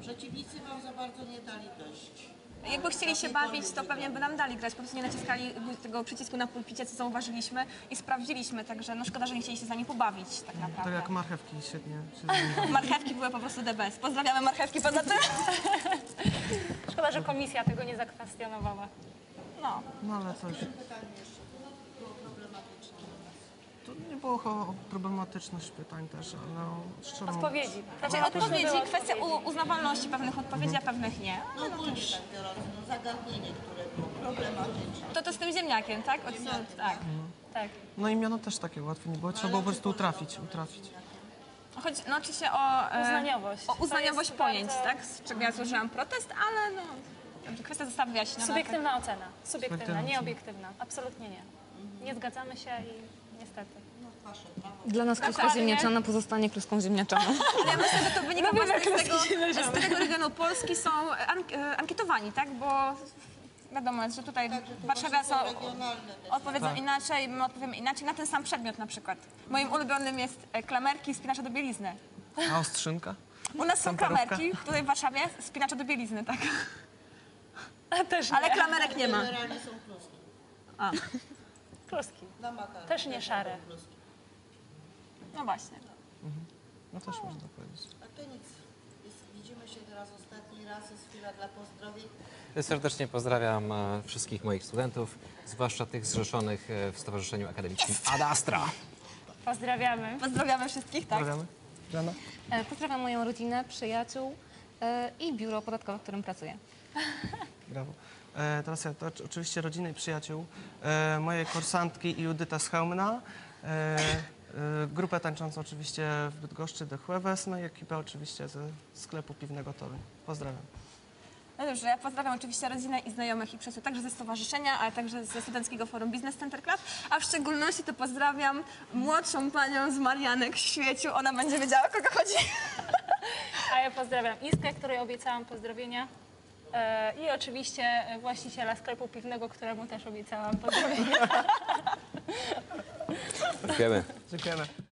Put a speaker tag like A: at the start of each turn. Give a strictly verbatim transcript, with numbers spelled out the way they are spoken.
A: Przeciwnicy wam za bardzo nie dali dość.
B: Jakby chcieli się bawić, to pewnie by nam dali grać. Po prostu nie naciskali tego przycisku na pulpicie, co zauważyliśmy i sprawdziliśmy. Także no szkoda, że nie chcieli się z nami pobawić tak naprawdę.
C: Tak jak marchewki świetnie się zajmowały.
B: Marchewki były po prostu the best. Pozdrawiamy marchewki poza tym.
D: Szkoda, że komisja tego nie zakwestionowała.
B: No.
C: No ale coś.
A: Pytanie jeszcze było problematyczne.
C: To nie było o problematyczność pytań też, ale no, szczerze mówiąc.
D: Odpowiedzi.
B: Znaczy
D: Problematyczne
B: odpowiedzi,
D: były
B: kwestia
D: odpowiedzi.
B: u, uznawalności pewnych odpowiedzi, a pewnych nie.
A: No ogólnie tak biorąc, no, zagadnienie, które było problematyczne.
B: To to z tym ziemniakiem, tak? Od,
A: Ziemniakiem,
B: tak.
D: Tak.
C: No i miano też takie łatwe nie było, trzeba było po prostu utrafić, utrafić.
B: Chodzi, no oczywiście o e,
D: Uznaniowość.
B: o uznaniowość
D: To jest
B: pojęć,
D: bardzo-
B: tak? Z czego ja złożyłam protest, ale no, dobrze, kwestia została wyjaśniona.
D: Subiektywna ocena. Subiektywna,
C: Subiektywna
D: nie
C: ocena.
D: obiektywna. Absolutnie nie. Nie zgadzamy się i niestety.
A: No wasze prawo.
E: Dla nas kluska
B: Dokładnie.
E: ziemniaczana pozostanie kluską ziemniaczaną.
B: Ale ja myślę, że to wynika właśnie z tego, z którego regionu Polski są ank e, ankietowani, tak? Bo wiadomo jest, że tutaj
A: Także
B: w
A: tu
B: Warszawie
A: są
B: są
A: regionalne te
B: odpowiedzą inaczej, my odpowiemy inaczej na ten sam przedmiot na przykład. Moim ulubionym jest e, klamerki spinacze do bielizny.
C: A ostrzynka?
B: U nas są
C: Temperówka?
B: klamerki, tutaj w Warszawie spinacze do bielizny, tak?
D: Też
B: Ale
D: nie.
B: klamerek nie ma.
A: Generalnie są kluski.
B: A,
D: Kluski.
A: Na makaron.
D: Też nie szare.
A: Kluski.
B: no właśnie.
C: No też można powiedzieć.
A: A to nic. Jest, widzimy się teraz ostatni raz. Jest chwila dla pozdrowień.
F: Serdecznie pozdrawiam e, wszystkich moich studentów, zwłaszcza tych zrzeszonych e, w Stowarzyszeniu Akademickim Ad Astra.
D: Pozdrawiamy.
B: Pozdrawiamy wszystkich, tak?
C: Pozdrawiamy. Żana?
E: E, Pozdrawiam moją rodzinę, przyjaciół e, i biuro podatkowe, w którym pracuję.
C: Brawo. E, teraz ja, to oczy- oczywiście rodziny i przyjaciół, e, moje kursantki i Judyta z Chełmna, e, e, grupę tańczącą oczywiście w Bydgoszczy The Jueves, no i ekipę oczywiście ze sklepu piwnego Toruń. Pozdrawiam.
B: No dobrze, ja pozdrawiam oczywiście rodzinę i znajomych i przyjaciół, także ze stowarzyszenia, ale także ze Studenckiego Forum Business Center Club, a w szczególności to pozdrawiam młodszą panią z Marianek w Świeciu, ona będzie wiedziała, o kogo chodzi.
D: A ja pozdrawiam Iskę, której obiecałam pozdrowienia. E, I oczywiście właściciela sklepu piwnego, któremu też obiecałam pozdrowienia.
F: Dziękujemy.
C: Dziękujemy.